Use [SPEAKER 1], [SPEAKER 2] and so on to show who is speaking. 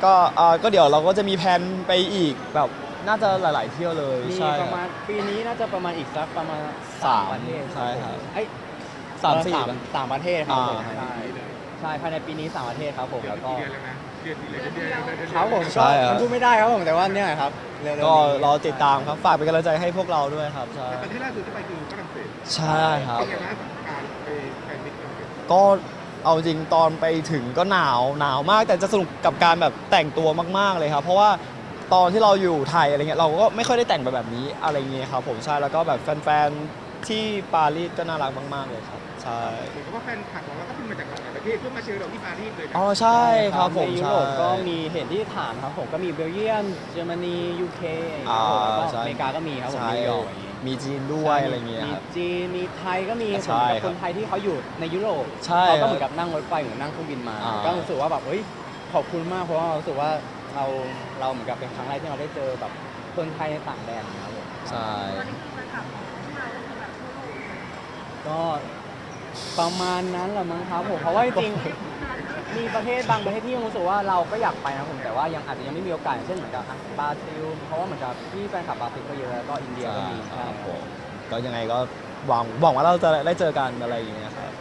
[SPEAKER 1] ก็เดี๋ยวเราก็จะมีแผนไปอีกแบบน่าจะหลายๆเที่ยวเลย
[SPEAKER 2] มี
[SPEAKER 1] ใช่
[SPEAKER 2] ประมาณปีนี้น่าจะประมาณอีกสักประมาณ
[SPEAKER 1] สาม
[SPEAKER 2] ประเทศ
[SPEAKER 1] ใช่ครับ
[SPEAKER 2] เอ้ย
[SPEAKER 1] สามสี่
[SPEAKER 2] สามประเทศครับผม
[SPEAKER 1] อ่า
[SPEAKER 2] ใช่ใช่ภายในปีนี้3 ประเทศครับผม
[SPEAKER 3] เดือน
[SPEAKER 2] แล้วก็
[SPEAKER 3] กี่เดือนแล้วนะเดือนกี่เดือนเดือนเดือนเดือนเดือน
[SPEAKER 2] ครับผม
[SPEAKER 1] ใช่
[SPEAKER 2] ก็
[SPEAKER 1] ครับ
[SPEAKER 2] มันพูดไม่ได้ครับผมแต่ว่าเนี่ยครับเร็วๆนี้
[SPEAKER 1] ก็รอติดตามครับฝากเป็นกำลังใจให้พวกเราด้วยครับใช่
[SPEAKER 3] แต่ประเทศล่าสุดที่ไปคือฝรั่งเศส
[SPEAKER 1] ใช่ครับ
[SPEAKER 3] เป็นไงบ้างกับการไปแฟนมิตรฝรั่งเศส
[SPEAKER 1] ก็เอาจริงตอนไปถึงก็หนาวมากแต่จะสนุกกับการแบบแต่งตัวมากๆเลยครับเพราะว่าตอนที่เราอยู่ไทยอะไรเงี้ยเราก็ไม่ค่อยได้แต่งแบบนี้อะไรเงี้ยครับผมใช่แล้วก็แบบแฟนๆที่ปารีสก็น่ารักมากๆเลยครับใช่
[SPEAKER 3] เหมือนกับว่าแฟนคลับของเราก็ขึ้นมาจากหลายประเทศเพื่อมาเชียร์เราที่ปารีสเลยนะ
[SPEAKER 1] อ๋อใช่ครับผม
[SPEAKER 2] ในยุ
[SPEAKER 1] ใช่
[SPEAKER 2] โรปก็มีเห็นที่ถามครับผมก็มีเบลเยียมเยอรมนียูเคอย่างเงี้ยครับผมแล้วก็
[SPEAKER 1] ใช่
[SPEAKER 2] อเมริกาก็มีครับผม
[SPEAKER 1] ใช่
[SPEAKER 2] นิวยอร์กอย่างงี้
[SPEAKER 1] มีจีนด้วยอะไรเงี้ย
[SPEAKER 2] มี
[SPEAKER 1] ครับ
[SPEAKER 2] จีนมีไทยก็มี
[SPEAKER 1] ใช่
[SPEAKER 2] ผมกับ
[SPEAKER 1] ครั
[SPEAKER 2] ค
[SPEAKER 1] บ
[SPEAKER 2] นไทยที่เขาอยู่ในยุโรป
[SPEAKER 1] ใช่
[SPEAKER 2] เขาก็
[SPEAKER 1] ครับ
[SPEAKER 2] เหมือนกับนั่งรถไฟหรือนั่งเครื่องบินมา
[SPEAKER 1] อ่า
[SPEAKER 2] ก็รู้สึกว่าแบบเฮ้ยขอบคุณมากเพราะว่าเรารู้สึกว่าเราเหมือนกับเป็นครั้งแรกที่เราได้เจอแบบคนไทยในต่างแดนนะครับผม
[SPEAKER 1] ใช่
[SPEAKER 4] ตอนนี้คือแฟนคลับของพวกเราคือแบบทั่วโลกเลย
[SPEAKER 2] ก็ประมาณนั้นแหละมั้งครับผมเพราะว่าจริงๆมีประเทศบางประเทศที่ยังรู้สึกว่าเราก็อยากไปนะผมแต่ว่ายังอาจจะยังไม่มีโอกาสอย่างเช่นเหมือนกับบราซิลเพราะว่าเหมือนกับที่แฟนคลับบราซิลก็เยอะแล้วก็อินเดียก็มี
[SPEAKER 1] ใช่
[SPEAKER 2] ใช่
[SPEAKER 1] ครับผมก็ยังไงก็หวังว่าเราจะได้เจอกันอะไรอย่างเงี้ยครับ